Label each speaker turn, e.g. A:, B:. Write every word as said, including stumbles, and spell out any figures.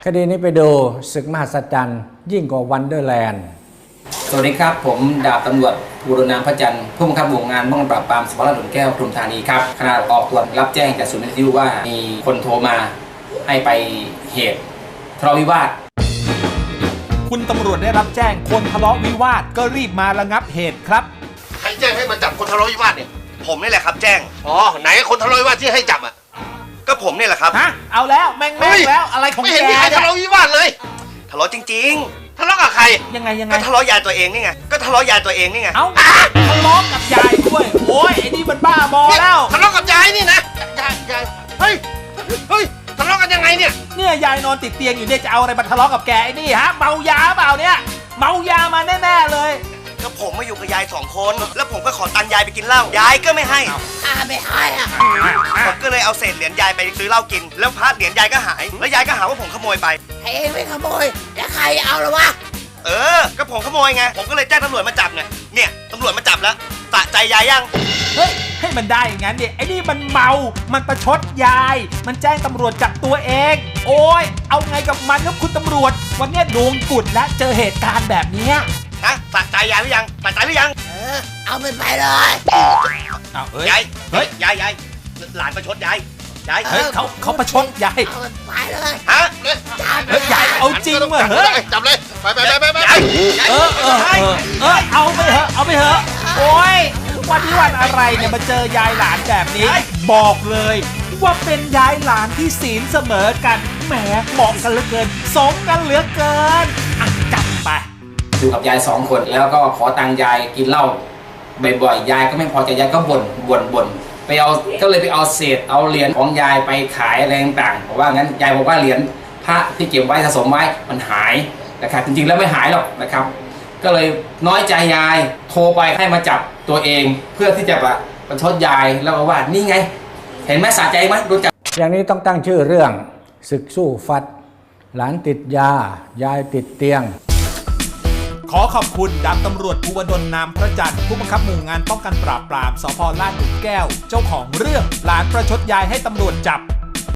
A: คดีนี้ไปดูศึกมหัศจรรย์ยิ่งกว่าวันเดอร์แลนด์
B: สวัสดีครับผมดาบตำรวจภูรนามพระจันทร์ผู้บังคับหมู่งานป้องกันปราบปรามสพหลุมแก้วปทุมธานีครับขณะออกตรวจรับแจ้งจากศูนย์วิทยุว่ามีคนโทรมาให้ไปเหตุทะเลาะวิวาท
C: คุณตำรวจได้รับแจ้งคนทะเลาะวิวาทก็รีบมาระงับเหตุครับ
D: ใครแจ้งให้มาจับคนทะเลาะวิวาทเนี่ย
E: ผมนี่แหละครับแจ้ง
D: อ๋อไหนคนทะเลาะวิวาทที่ให้จับอ่ะ
E: ก็ผมนี่แหละครับ
C: ฮะเอาแล้วแม่งแม่งแล้วอะไรของแก
D: ไม่เห็นมีใครทะเลาะวิวาทเลย
E: ทะเลาะจริง
D: ๆทะเลาะกับใคร
C: ยังไงยังไง
E: ก็ทะเลาะยายตัวเองนี่ไงก็ทะเลาะยายตัวเองนี่ไง
C: เอ้าทะเลาะกับยายด้วยโอ้ยไอ้นี่มันบ้าบอแล้ว
D: ทะเลาะกับยายนี่นะยายยายเฮ้ยเฮ้ยทะเลาะกันยังไงเนี่ย
C: เนี่ยยายนอนติดเตียงอยู่เนี่ยจะเอาอะไรมาทะเลาะกับแกไอ้นี่ฮะเมายาเปล่าเนี่ยเมายามาแน่ๆเลย
E: ก็ผมมาอยู่กับยายสองคนแล้วผมก็ขอตังค์ยายไปกินเหล้ายายก็ไม่ให้
D: อ่าไม่ให้อ่ะ
E: ผมก็เลยเอาเศษเหรียญยายไปซื้อเหล้ากินแล้วพระเหรียญยายก็หายแล้วยายก็หาว่าผมขโมยไป
D: เฮ้ยไม่ขโมยแล้วใครเอาล่ะวะ
E: เออก็ผมขโมยไงผมก็เลยแจ้งตำรวจมาจับไงเนี่ยตำรวจมาจับแล้วสะใจยายยัง
C: เฮ้ยให้มันได้อย่างนั้นดิไอ้นี่มันเมามันประชดยายมันแจ้งตำรวจจับตัวเองโอ้ยเอาไงกับมันครับคุณตำรวจวันนี้โดนกุดและเจอเหตุการณ์แบบนี้
E: ฮะสะใจยายหรือยังสะใจหรือยัง
D: เออเอามันไปเลย
C: เอาเฮ้ย
E: ยายเฮ้ยยายยายหลานประชดยายยาย
C: เฮ้ยเขาเขาประชดยาย
D: เอามันไปเลย
E: ฮะ
C: เฮ้ยยายเอาจริงว่ะเฮ้ย
D: จับเลยไปไปไปไป
C: เออเออเออเอาไปเถอะเอาไปเถอะโอ้ยวันนี้วันอะไรเนี่ยมาเจอยายหลานแบบนี้บอกเลยว่าเป็นยายหลานที่ศีลเสมอกันแหมเหมาะกันเหลือเกินสมกันเหลือเกินอ่ะจับไป
B: อยู่กับยายสองคนแล้วก็ขอตังค์ยายกินเหล้าบ่อยๆยายก็ไม่พอใจยายก็บ่นบ่นบ่นไปเอาก็เลยไปเอาเศษเอาเหรียญของยายไปขายอะไรต่างๆเพราะว่างั้นยายบอกว่าเหรียญพระที่เก็บไว้สะสมไว้มันหายนะครับจริงๆแล้วไม่หายหรอกนะครับก็เลยน้อยใจยายโทรไปให้มาจับตัวเองเพื่อที่จะประชดยายแล้วก็ว่านี่ไงเห็นไหมสะใจไหมรู้จัก
A: อย่างนี้ต้องตั้งชื่อเรื่องศึกสู้ฟัดหลานติดยายายติดเตียง
C: ขอขอบคุณดาบตำรวจภูวดลนามพระจันทร์ผู้บังคับหมู่งานป้องกันปราบปรามสพลาดหลุมแก้วเจ้าของเรื่องหลานประชดยายให้ตำรวจจับ